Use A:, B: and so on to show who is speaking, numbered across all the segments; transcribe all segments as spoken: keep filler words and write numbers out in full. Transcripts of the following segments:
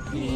A: ธี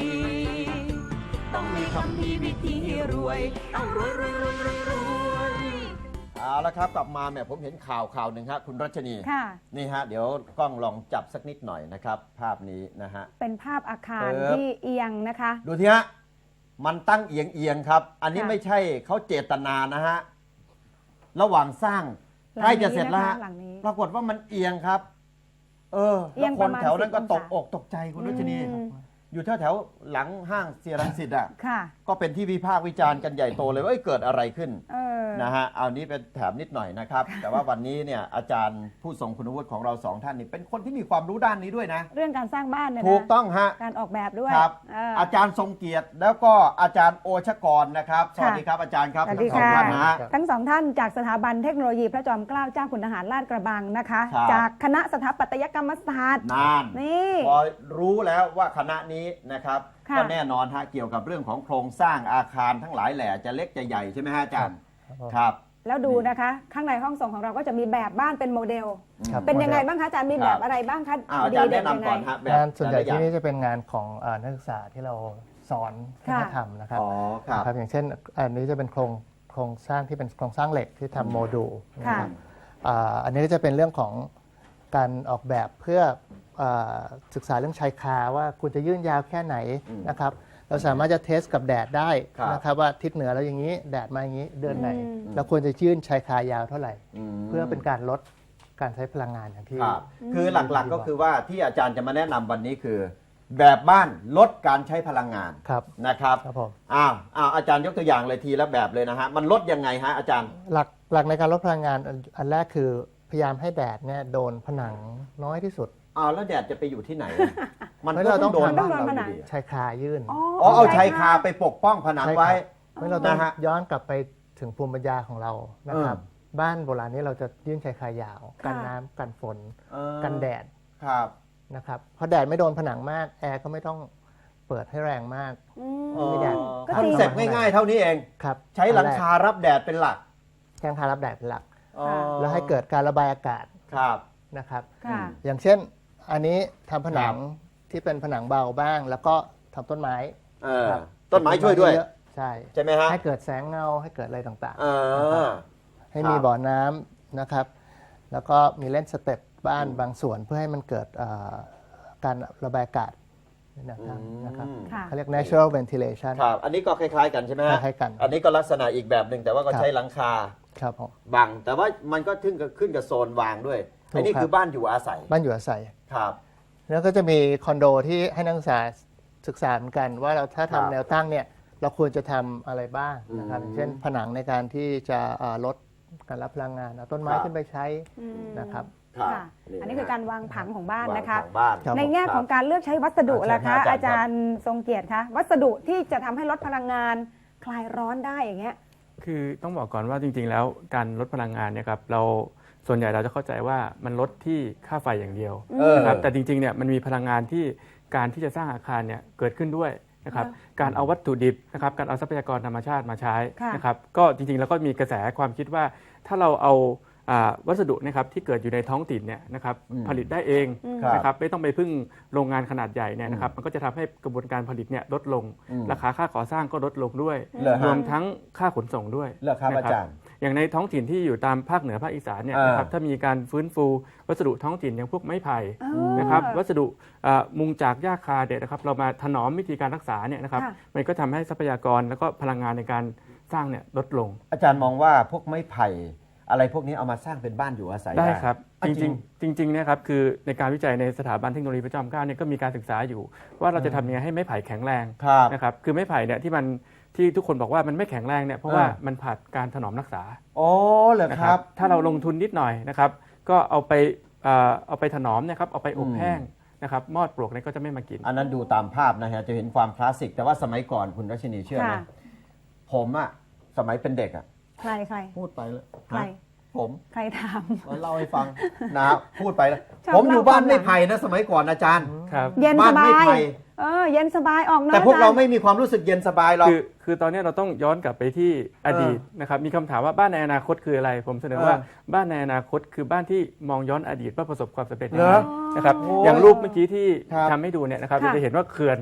A: ต้องมีคำพีวิธีรวยต้องรวยรวยรวยรวยรวยเอาละครับกลับมาเนี่ยผมเห็นข่าวข่าวหนึ่งครับคุณรัชนี
B: ค่ะ
A: นี่ฮะเดี๋ยวกล้องลองจับสักนิดหน่อยนะครับภาพนี้นะฮะ
B: เป็นภาพอาคารที่เอียงนะคะ
A: ดูทีฮะมันตั้งเอียงเอียงครับ อันนี้ไม่ใช่เขาเจตนานะฮะระหว่างสร้างใกล้จะเสร็จแล้วฮะปรากฏว่ามันเอียงครับเออแล้วคนแถวนั้นก็ตกอกตกใจคุณรัชนีอยู่แถวแถวหลังห้างเซียรังสิตอ่ะก็เป็นที่วิพากษ์วิจารณ์กันใหญ่โตเลยว่าเกิดอะไรขึ้นนะฮะเอานี้เป็นแถมนิดหน่อยนะครับแต่ว่าวันนี้เนี่ยอาจารย์ผู้ทรงคุณวุฒิของเราสองท่านนี่เป็นคนที่มีความรู้ด้านนี้ด้วยนะ
B: เรื่องการสร้างบ้านเนี่ย
A: ถูกต้องฮะ
B: การออกแบบด้วย
A: ครับอาจารย์ทรงเกียรติแล้วก็อาจารย์โอชกรนะครับสวัสดีครับอาจารย์ครับ
B: ทั้งสองท่านนะทั้งสองท่านจากสถาบันเทคโนโลยีพระจอมเกล้าเจ้าคุณทหารลาดกระบังนะคะจากคณะสถาปัตยกรรมศาสตร์
A: นานนี่พอรู้แล้วว่าคณะนี้นะครับก็แน่นอนฮะเกี่ยวกับเรื่องของโครงสร้างอาคารทั้งหลายแหล่จะเล็กจะใหญ่ใช่ไหมฮะอาจารย์ครับ
B: แล้วดูนะคะข้างในห้องส่งของเราก็จะมีแบบบ้านเป็นโมเดลเป็นยังไงบ้างคะอาจารย์มีแบบอะไรบ้างคะ
A: อาจารย์แนะนำก่อนฮะ
C: งานส่วนใหญ่ที่นี่จะเป็นงานของนักศึกษาที่เราสอนให้เขาทำนะครับครับอย่างเช่นอันนี้จะเป็นโครงโครงสร้างที่เป็นโครงสร้างเหล็กที่ทำโมดูลนะครับอันนี้ก็จะเป็นเรื่องของการออกแบบเพื่อศึกษาเรื่องชายคาว่าคุณจะยื่นยาวแค่ไหนนะครับเราสามารถจะเทสกับแดดได้นะครับว่าทิศเหนือแล้วอย่างนี้แดดมาอย่างนี้เดือนไหนเราควรจะยื่นชายคายาวเท่าไหร่เพื่อเป็นการลดการใช้พลังงานอย่างที่
A: คือหลักๆก็คือว่าที่อาจารย์จะมาแนะนำวันนี้คือ แบบบ้านลดการใช้พลังงานนะครับอ้าวอ้าวอาจารย์ยกตัวอย่างเลยทีละแบบเลยนะฮะมันลดยังไงฮะอาจารย์
C: หลักหลักในการลดพลังงานอันแรกคือพยายามให้แดดเนี่ยโดนผนังน้อยที่สุด
A: อ้าวแล้วแดดจะไปอยู่ที่ไหน
C: มันเราต้องโดนบ้านเราอยู่ดีชายคายื่น
A: อ๋อเอาชายคาไปปกป้องผนังไว้
C: ไม่เราต้องย้อนกลับไปถึงภูมิปัญญาของเรานะครับบ้านโบราณนี้เราจะยื่นชายคายาวกันน้ำกันฝนกันแดดนะครับเพราะแดดไม่โดนผนังมากแอร์ก็ไม่ต้องเปิดให้แรงมาก
A: ไม่แดดคอนเซ็ปต์ง่ายๆเท่านี้เองใช้หลังคารับแดดเป็นหลัก
C: หลังคารับแดดเป็นหลักแล้วให้เกิดการระบายอากาศนะครับอย่างเช่นอันนี้ทำผนังที่เป็นผนังเบาบ้างแล้วก็ทำต้นไม้
A: ต้นไม้ช่วยด้วย
C: ใช่
A: ใช่ไหมฮะ
C: ให้เกิดแสงเงาให้เกิดอะไรต่างๆให้มีบ่อน้ำนะครับแล้วก็มีเล่นสเต็ปบ้านบางส่วนเพื่อให้มันเกิดการระบายอากาศนะครับเขาเรียก natural ventilation
A: ครับอันนี้ก็คล้ายๆกันใช่ไหมฮะ
C: คล้ายกัน
A: อันนี้ก็ลักษณะอีกแบบหนึ่งแต่ว่าก็ใช้หลังคา
C: ครับ
A: บังแต่ว่ามันก็ขึ้นกับขึ้นกับโซนวางด้วยอันนี้คือบ้านอยู่อาศัย
C: บ้านอยู่อาศัย
A: ครับ
C: แล้วก็จะมีคอนโดที่ให้นักศึกษาศึกษาเหมือนกันว่าเราถ้าทำแนวตั้งเนี่ยเราควรจะทำอะไรบ้างนะครับเช่นผนังในการที่จะลดการรับพลังงานเอาต้นไม้ขึ้นไปใช้นะครับ
B: อันนี้คือการวางผังของบ้านนะคะในแง่ของการเลือกใช้วัสดุล่ะคะอาจารย์ทรงเกียรติคะวัสดุที่จะทำให้ลดพลังงานคลายร้อนได้อย่างเงี้ย
D: คือต้องบอกก่อนว่าจริงๆแล้วการลดพลังงานเนี่ยครับเราส่วนใหญ่เราจะเข้าใจว่ามันลดที่ค่าไฟอย่างเดียวนะครับแต่จริงๆเนี่ยมันมีพลังงานที่การที่จะสร้างอาคารเนี่ยเกิดขึ้นด้วยนะครับการเอาวัตถุดิบนะครับการเอาทรัพยากรธรรมชาติมาใช้นะครับก็จริงๆแล้วก็มีกระแสความคิดว่าถ้าเราเอาวัสดุนะครับที่เกิดอยู่ในท้องถิ่นเนี่ยนะครับผลิตได้เองนะครับไม่ต้องไปพึ่งโรงงานขนาดใหญ่เนี่ยนะครับมันก็จะทำให้กระบวนการผลิตเนี่ยลดลงราคาค่าก่อสร้างก็ลดลงด้วยรวมทั้งค่าขนส่งด้วย
A: นะครับ
D: อย่างในท้องถิ่นที่อยู่ตามภาคเหนือภาคอีสานเนี่ยนะครับถ้ามีการฟื้นฟูวัสดุท้องถิ่นอย่างพวกไม้ไผ่นะครับวัสดุมุงจากหญ้าคาเนี่ยนะครับเรามาถนอมวิธีการรักษาเนี่ยนะครับมันก็ทำให้ทรัพยากรแล้วก็พลังงานในการสร้างเนี่ยลดลง
A: อาจารย์มองว่าพวกไม้ไผ่อะไรพวกนี้เอามาสร้างเป็นบ้านอยู่อาศัย
D: ได้ครับจริงๆจริงๆนะครับคือในการวิจัยในสถาบันเทคโนโลยีพระจอมเกล้าเนี่ยก็มีการศึกษาอยู่ว่าเราจะทำยังไงให้ไม้ไผ่แข็งแรงนะครับคือไม้ไผ่เนี่ยที่มันที่ทุกคนบอกว่ามันไม่แข็งแรงเนี่ยเพราะว่ามันผ่านการถนอมรักษา
A: อ๋อเหรอครับ
D: ถ้าเราลงทุนนิดหน่อยนะครับก็เอาไปเอาไปถนอมนะครับเอาไปอบแห้งนะครับมอดปลวกเนี่ยก็จะไม่มากิน
A: อันนั้นดูตามภาพนะฮะจะเห็นความคลาสสิกแต่ว่าสมัยก่อนคุณรัชนีเชื่อไหมผมอะสมัยเป็นเด็กอะ
B: ใครใคร
A: พูดไปเลย
B: ใคร
A: ผม
B: ใครถาม
A: เล่าให้ฟังนะพูดไปแล้วผมอยู่บ้านไม่ไผ่นะสมัยก่อนอาจารย์
B: เย็นสบายเออเย็นสบายออก
A: แต่พวกเราไม่มีความรู้สึกเย็นสบายหรอก
D: คือคือตอนนี้เราต้องย้อนกลับไปที่อดีตนะครับมีคำถามว่าบ้านในอนาคตคืออะไรผมเสนอว่าบ้านในอนาคตคือบ้านที่มองย้อนอดีตว่าประสบความสำเร็จยังไงนะครับอย่างรูปเมื่อกี้ที่ทำให้ดูเนี่ยนะครับเราจะเห็นว่าเขื่อน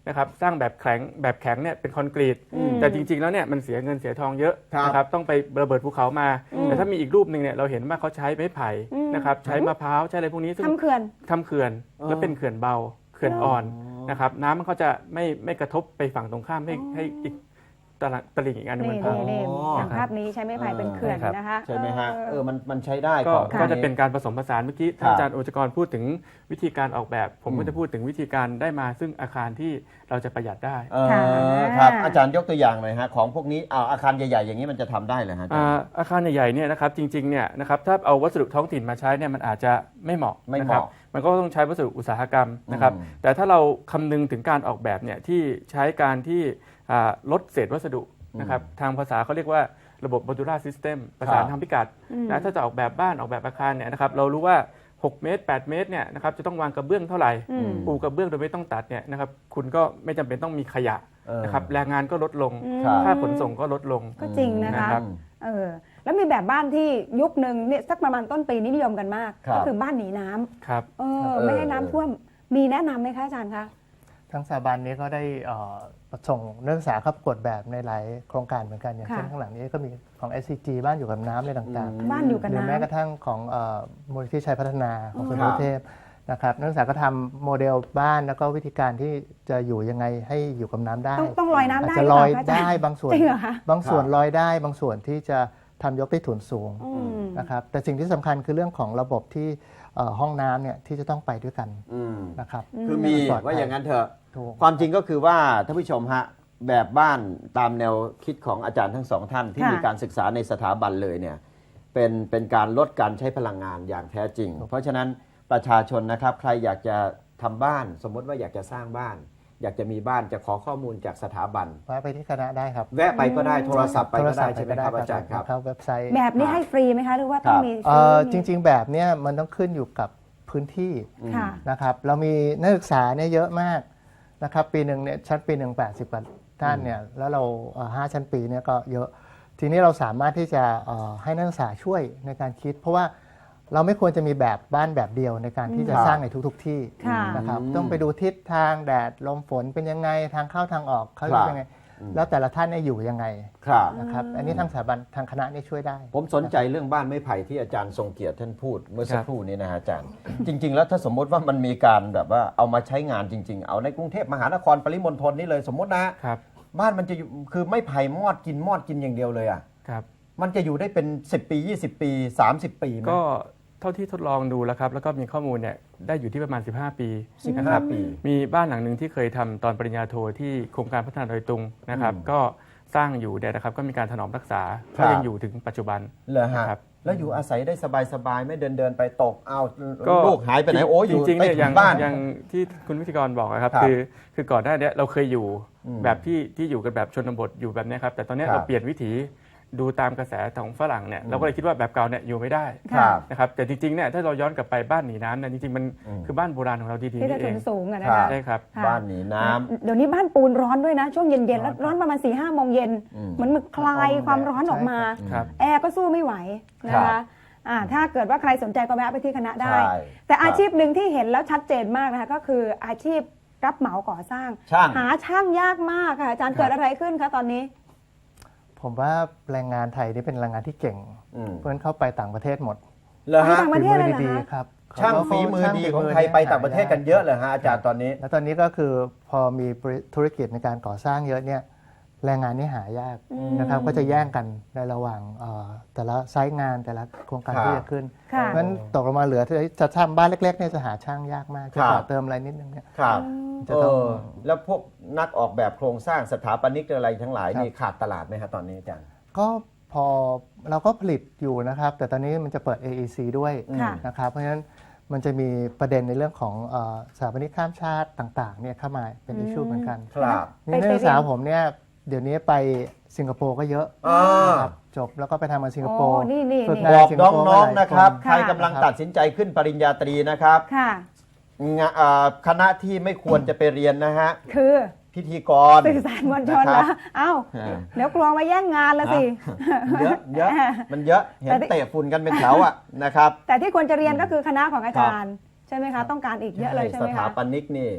D: นะครับสร้างแบบแข็งแบบแข็งเนี่ยเป็นคอนกรีตแต่จริงๆแล้วเนี่ยมันเสียเงินเสียทองเยอะนะครับต้องไประเบิดภูเขามาแต่ถ้ามีอีกรูปหนึ่งเนี่ยเราเห็นว่าเขาใช้ไม้ไผ่นะครับใช้มะพร้าวใช้อะไรพวกนี้ซึ่ง
B: ทำเขื่อน
D: ทำเขื่อนแล้วเป็นเขื่อนเบาเขื่อนอ่อนนะครับน้ำมันก็จะไม่ไม่กระทบไปฝั่งตรงข้ามให้ให้อีกตะตลิ่งอีกอันหนึงมัน
B: นี่
D: พัง
B: นี่อย่างภาพนี้ใช้ไม้ไผ่เป็นเขื่อนนะคะ
A: ใช่ไหมฮะเออมันมันใช้ได้
D: ก็
A: ของ
D: ก็
A: พว
D: จะเป็นการผสมผสานเมื่อกี้
A: ครับ
D: อาจารย์โอจกรพูดถึงวิธีการออกแบบ ผมก็จะพูดถึงวิธีการได้มาซึ่งอาคารที่เราจะประหยัดได้
A: เออครับอาจารย์ยกตัวอย่างหน่อยฮะของพวกนี้เอาอาคารใหญ่ๆอย่างนี้มันจะทำได้เหรอฮะอาจาร
D: อ่า
A: ย์
D: อาคารใหญ่ๆเนี่ยนะครับจริงๆเนี่ยนะครับถ้าเอาวัสดุท้องถิ่นมาใช้เนี่ยมันอาจจะไม่เหมาะ
A: ไม่
D: นะ
A: เห
D: ครับ
A: มาะ
D: มันก็ต้องใช้วัสดุอุตสาหกรรมนะครับ
A: อืม
D: แต่ถ้าเราคำนึงถึงการออกแบบเนี่ยที่ใช้การที่อ่าลดเศษวัสดุนะครับทางภาษาเขาเรียกว่าระบบ modular system ภาษาทางพิกัดนะถ้าจะออกแบบบ้านออกแบบอาคารเนี่ยนะครับเรารู้ว่าหกเมตรแปดเมตรเนี่ยนะครับจะต้องวางกระเบื้องเท่าไหร่ปูกระเบื้องโดยไม่ต้องตัดเนี่ยนะครับคุณก็ไม่จำเป็นต้องมีขยะ
A: เออ
D: นะครับแรงงานก็ลดลง
A: ครับ
D: ค่าขนส่งก็ลดลง
B: ก็จริงนะคะ
D: นะครับ
B: เออแล้วมีแบบบ้านที่ยุคหนึ่งเนี่ยสักประมาณต้นปีนี้นิยมกันมาก
A: ครับ
B: ก็คือบ้านหนีน้ำ
D: ครับ
B: เออ
A: เออ
B: ไม่ให้น้ำท่วมมีแนะนำไหมคะอาจารย์คะ
C: ทั้งสถาบันนี้ก็ได้เอ่อส่งนักศึกษาเข้าประกวดแบบในหลายโครงการเหมือนกันอย่าง
B: ค่ะ
C: เช่นข้างหลังนี้ก็มีของ เอส ซี จี บ้านอยู่กับน้ำอะไรต่างๆ
B: บ้านอยู่กับ
C: หรือ
B: น้ำ
C: แม้กระทั่งของเอ่อมูลนิธิชัยพัฒนาของสุนท
A: ครั
C: ร
A: บ
C: เทพนะครับนักศึกษาก็ทำโมเดลบ้านแล้วก็วิธีการที่จะอยู่ยังไงให้อยู่กับน้ำได้
B: ต้องต้องลอยน้ำ
C: อาจ
B: ได้
C: จะ
B: ห
C: ล
B: รื
C: อย
B: เปล่าคะอาจาร
C: ได้
B: ย์
C: บางส่วน
B: จริงเหรอคะ
C: บางส่วน
A: ครับ
C: ลอยได้บางส่วนที่จะทำยกใต้ถุนสูง
B: อืม
C: นะครับแต่สิ่งที่สำคัญคือเรื่องของระบบที่เอ่อห้องน้ำเนี่ยที่จะต้องไปด้วยกัน
A: อืม
C: นะครับ
A: คือมี
C: ปลอดภัย
A: ว่าอย่างนั้นเถอะ
C: ถูก
A: ความจริงก็คือว่าท่านผู้ชมฮะแบบบ้านตามแนวคิดของอาจารย์ทั้งสองท่านที่
B: ค่ะ
A: มีการศึกษาในสถาบันเลยเนี่ยเป็นเป็นการลดการใช้พลังงานอย่างแท้จริง เพราะฉะนั้นประชาชนนะครับใครอยากจะทำบ้าน สมมติว่าอยากจะสร้างบ้าน อยากจะมีบ้านจะขอข้อมูลจากสถาบัน
C: ว่าไปที่คณะได้ครับ
A: แวะไปก็ได้โทรศัพท์ไปก็ได้
C: โท
A: ใช่ไหมครับอาจารย์ครับ
C: เข้าเว็บไซต์
B: แบบนี้ให้ฟรีไหมคะหรือว่าต้องมี
C: เอ่อ
B: ซื้
C: จริง ๆ แบบเนี้ยมันต้องขึ้นอยู่กับพื้นที่
B: ค่ะ
C: นะครับเรามีนักศึกษาเนี่ยเยอะมากนะครับปีหนึ่งเนี่ยชั้นปีหนึ่งแปดสิบกว่าท่านเนี่ยแล้วเราเอ่อห้าชั้นปีเนี่ยก็เยอะ ทีนี้เราสามารถที่จะเอ่อให้นักศึกษาช่วยในการคิด เพราะว่าเราไม่ควรจะมีแบบบ้านแบบเดียวในการที่จะ
A: ครับ
C: สร้างในทุก ๆ ที่
B: ค่ะ
C: นะครับ
A: อืม
C: ต้องไปดูทิศทางแดดลมฝนเป็นยังไงทางเข้าทางออกเขา
A: ครับ
C: เป็นยังไง แล้วแต่ละท่านเนี่ยอยู่ยังไง
A: ครับ
C: นะครับอันนี้ทางสถาบันทางคณะนี่ช่วยได้
A: ผมสนใจเรื่องบ้านไม้ไผ่ที่อาจารย์ทรงเกียรติท่านพูดเมื่อสัก
D: ครับ
A: ครู่นี้นะฮะอาจารย์ จริง ๆ แล้วถ้าสมมติว่ามันมีการแบบว่าเอามาใช้งานจริง ๆ เอาในกรุงเทพมหานครปริมณฑลนี่เลยสมมตินะ
D: ครับ
A: บ้านมันจะอยู่คือไม่ไผ่มอดกินมอดกินอย่างเดียวเลยอ่ะ
D: ครับ
A: มันจะอยู่ได้เป็น สิบ ปี ยี่สิบ ปี สามสิบ ปีไหม
D: ก็เท่าที่ทดลองดูแล้วครับ แล้วก็มีข้อมูลเนี่ยได้อยู่ที่ประมาณ สิบห้า ปี
A: สิบ
D: นะค
A: ห้า
D: รับ
A: ปี
D: มีบ้านหลังหนึ่งที่เคยทำตอนปริญญาโทที่โครงการพัฒนาดอยตุงนะครับ
A: อืม
D: ก็สร้างอยู่เนี่ยนะครับก็มีการถนอมรักษา
A: ครั
D: ก็
A: บ
D: ยังอยู่ถึงปัจจุบัน
A: เหรอฮะ
D: ครับ
A: แล้วอยู่อาศัยได้สบายๆไม่เดินเดินๆไปตกเอา
D: ก็
A: ลูกหายไปไหนโอ้ยอยู่
D: จริงๆ
A: ใต้
D: เนี่ย
A: ถุ
D: อย่าง
A: นบ้าน
D: อย่างที่คุณวิทยกรบอกนะครับ
A: ครับ
D: คือคือก่อนหน้าเนี้ยเราเคยอยู่
A: อืม
D: แบบที่ที่อยู่กันแบบชนบทอยู่แบบเนี้ยครับแต่ตอนเนี้ย
A: ครับ
D: เราเปลี่ยนวิถีดูตามกระแสของฝรั่งเนี่ยเราก็เลยคิดว่าแบบเก่าเนี่ยอยู่ไม่ได้
A: ครับ
D: นะครับแต่จริงๆเนี่ยถ้าเราย้อนกลับไปบ้านหนีน้ำเนี่ยจริงๆมัน
A: อืม
D: คือบ้านโบราณของเราดีๆ
B: ที่จะ
D: นี่เอ
B: ถุ
D: ง
B: นสูงอะนะ
A: ครั
B: คะ
A: บ
D: ใช่ครับ
B: ค่ะ
A: บ้านหนีน้ำ
B: เดี๋ยวนี้บ้านปูนร้อนด้วยนะ ช่วงเย็นๆแล้วร้อนประมาณ4ี่ห้าโมงเย็น
A: อืม
B: เหมือนมันคลายความร้อนออกมา
D: ครับ
B: แอร์ก็สู้ไม่ไหวนะ
A: ครั
B: คะ
A: บ
B: อ่าถ้าเกิดว่าใครสนใจก็แวะไปที่คณะได้
A: ใช่
B: แต่อา
A: ครับ
B: ชีพหนึ่งที่เห็นแล้วชัดเจนมากนะคะก็คืออาชีพรับเหมาก่อสร้าง
A: ช่าง
B: หาช่างยากมากค่ะอาจารย์
D: ครับ
B: เกิดอะไรขึ้นคะตอนนี้
C: ผมว่าแรงงานไทยนี่เป็นแรงงานที่เก่ง
A: อืม
C: เพื่อนเข้าไปต่างประเทศหมด
A: เหรอฮะ
B: ต่างประเทศเลยเหรอ
C: ฝีมือดี
B: คะ
C: ๆครับ
A: ช่างฝีมือดีของไทยไปต่างประเทศกันเยอะเลยฮะอาจารย์ตอนนี้
C: แล้วตอนนี้ก็คือพอมีธุรกิจในการก่อสร้างเยอะเนี่ยแรงงานนี่หายากนะครับก็จะแย่งกันในระหว่างเอ่อแต่ละไซต์งานแต่ละโครงการ
A: ครับ
C: ที่จะขึ้น
B: ค่ะ
C: เพราะฉะนั้นตกลงมาเหลือที่จะทำบ้านเล็กๆเนี่ยจะหาช่างยากมากจะ
A: ครับ
C: ต่อเติมอะไรนิดนึงเนี่ย
A: ครับ
C: จะ
A: เอ
C: ต้อง
A: อแล้วพวกนักออกแบบโครงสร้างสถาปนิกอะไรทั้งหลาย
C: ครับ
A: นี่ขาดตลาดไหมฮะตอนนี้อาจารย์
C: ก็พอเราก็ผลิตอยู่นะครับ แต่ตอนนี้มันจะเปิด เอ อี ซี ด้วย
B: ค่ะ
C: นะครับเพราะฉะนั้นมันจะมีประเด็นในเรื่องของเอ่อสถาปนิกข้ามชาติต่างๆเนี่ยเข้ามาเป็นอิชชูเหมือนกัน
A: ครับ
C: นี่นักศึกษาผมเนี่ยเดี๋ยวนี้ไปสิงคโปร์ก็เยอะ
A: อ่า
C: นะครับจบแล้วก็ไปทำงานสิงคโปร์
B: โอ้นี่นี่
C: ฝึก
B: นี่
C: งา
A: บอก
C: สิคโปร์
A: น้อง
C: มาหลาย
A: ๆนะครับ
C: คน
A: ใครกำลังตัดสินใจขึ้นปริญญาตรีนะครับ
B: ค่ะ
A: งะอ่าคณะที่ไม่ควรจะไปเรียนนะฮะ
B: คือ
A: พิธีกร
B: สื่อสารมวลชน
A: นะครั
B: แล้
A: บ
B: วเอ้า
A: อ่า
B: เดี๋ยวกลัวมาแย่งงานละสิ
A: เยอะเยอะมันเยอะเห็น
B: แต่ที่
A: เตะฝุ่นกันเป็นแถวอ่ะนะครับ
B: แต่ที่ควรจะเรียนก็คือคณะของอาจารย์ ใช่ไหมคะ ต้องการอีกเยอะเลยใช่ไหม
A: สถา
B: คะ
A: ปนิกนี่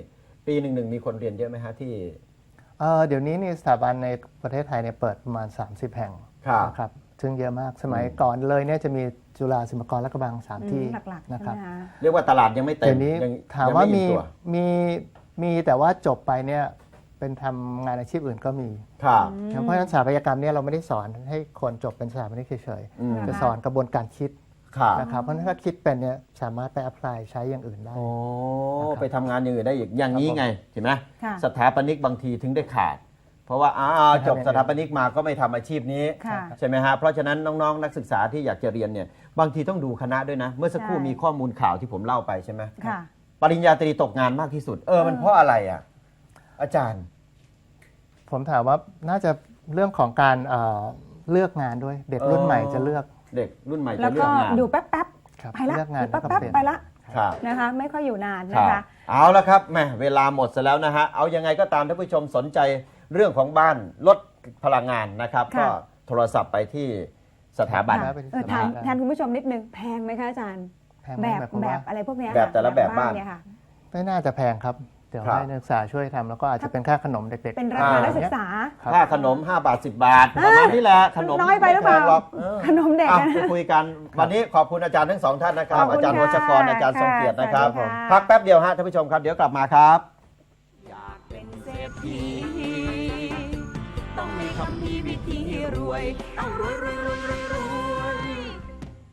A: ปีหนึ่งหนึ่งมีคนเรียนเยอะไหมฮะที่
C: เอ่อเดี๋ยวนี้นี่สถาบันในประเทศไทยเนี่ยเปิดประมาณ สามสิบ แห่ง
A: ครับ
C: นะครับซึ่งเยอะมากสมัย
A: อืม
C: ก่อนเลยเนี่ยจะมีจุฬาศิลปากรและกระบังสาม
B: อืม
C: ที่
B: หลักๆ
C: นะ
B: ใช่
C: ครับ
B: ไหมคะ
A: เรียกว่าตลาดยังไม่เต็
C: เดี๋
A: ม
C: ยวนี้
A: ยัง
C: ถาม
A: ยัง
C: ว่า
A: ไอิ่
C: มี
A: ตัว
C: มีมีแต่ว่าจบไปเนี่ยเป็นทำงานอาชีพอื่นก็มี
A: ครับ
C: เพราะฉะนั้นสถาปัตยกรรมเนี่ยเราไม่ได้สอนให้คนจบเป็นสถาปนิกเฉย
A: อืม
C: ๆจะสอนกระบวนการคิด
A: ครับ
C: นะครับเพราะฉะนั้นถ้าคิดเป็นเนี่ยสามารถไปอัพพลายใช้อย่างอื่นได้
A: โอ้
C: นะครับ
A: ไปทำงานอย่างอื่นได้อีกอย่างนี้ไงเห็นไหม
B: ค่ะ
A: สถาปนิกบางทีถึงได้ขาด เพราะว่าอ้าวจบสถาปนิกมาก็ไม่ทำอาชีพนี้
B: ค่ะ
A: ใช่ไหมฮะเพราะฉะนั้นน้องๆนักศึกษาที่อยากจะเรียนเนี่ยบางทีต้องดูคณะด้วยนะ เมื่อสักครู่
B: ใช่
A: มีข้อมูลข่าวที่ผมเล่าไปใช่ไหม
B: ค่ะ
A: ปริญญาตรีตกงานมากที่สุด เออมันเพราะอะไรอ่ะอาจารย์
C: ผมถามว่าน่าจะเรื่องของการเอ่อเลือกงานด้วยเด็กรุ่นใหม่จะเลือก
A: เด็กรุ่นใหม่
B: แล้
A: จะ
B: ว
A: เลือ
B: ก็
A: กงาน
B: อยู่แป๊บ
C: ครับ
B: ๆไปละ
C: เลือกงาน
B: อยู่
C: แล้วก็
B: แป๊บ
C: เปลี่ยน
B: ๆไปละ
A: ครับ
B: นะคะ ไม่ค่อยอยู่นาน
A: ค
B: นะ
A: รับ
B: คะ
A: เอาละครับแหม่เวลาหมดซะแล้วนะฮะ เอายังไงก็ตามท่านผู้ชมสนใจเรื่องของบ้านลดพลังงานนะครับ
B: ค่ะ
A: ก็โทรศัพท์ไปที่สถาบัน
C: ค่ะ
B: เออถามแทนคุณผู้ชมนิดนึงแพงไหมคะอาจารย์
C: แพงไหม
B: แบบ
C: หมายความ
B: แบ
C: ว่า
B: บอะไรพวกเนี้ย
A: แบบแต่ละแบบบ้าน
B: เนี่ยค่ะ
C: ไม่น่าจะแพงครับ เดี๋ยว
A: ครับ
C: ให้นักศึกษาช่วยทำแล้วก็อาจจะเป็นค่าขนมเด็กๆ
B: เป็นราคา
A: อ่า
B: นักศึกษา
C: ครับ
A: ค่าขนม ห้า บาท สิบ บาท ประมาณนี้แหละขนม
B: น้อยไปหรือเปล่า
A: ม่แพงกเออ
B: ขนมเด็ก
A: อ่ะ
B: นะ
A: ไปคุยกันวันนี้ขอบคุณอาจารย์ทั้งสองท่านนะครับ
B: ขอบคุณ
A: อาจารย์
B: ค่ะ
A: วชกรอาจารย์ทรงเกียรตินะครับ
B: สวัสดีค่ะ
A: พักแป๊บเดียวฮะท่านผู้ชมครับเดี๋ยวกลับมาครับ
E: อยากเป็นเศรษฐีต้องมีคำพีวิธีรวย ต้องรวยรวยรวยรวยรวย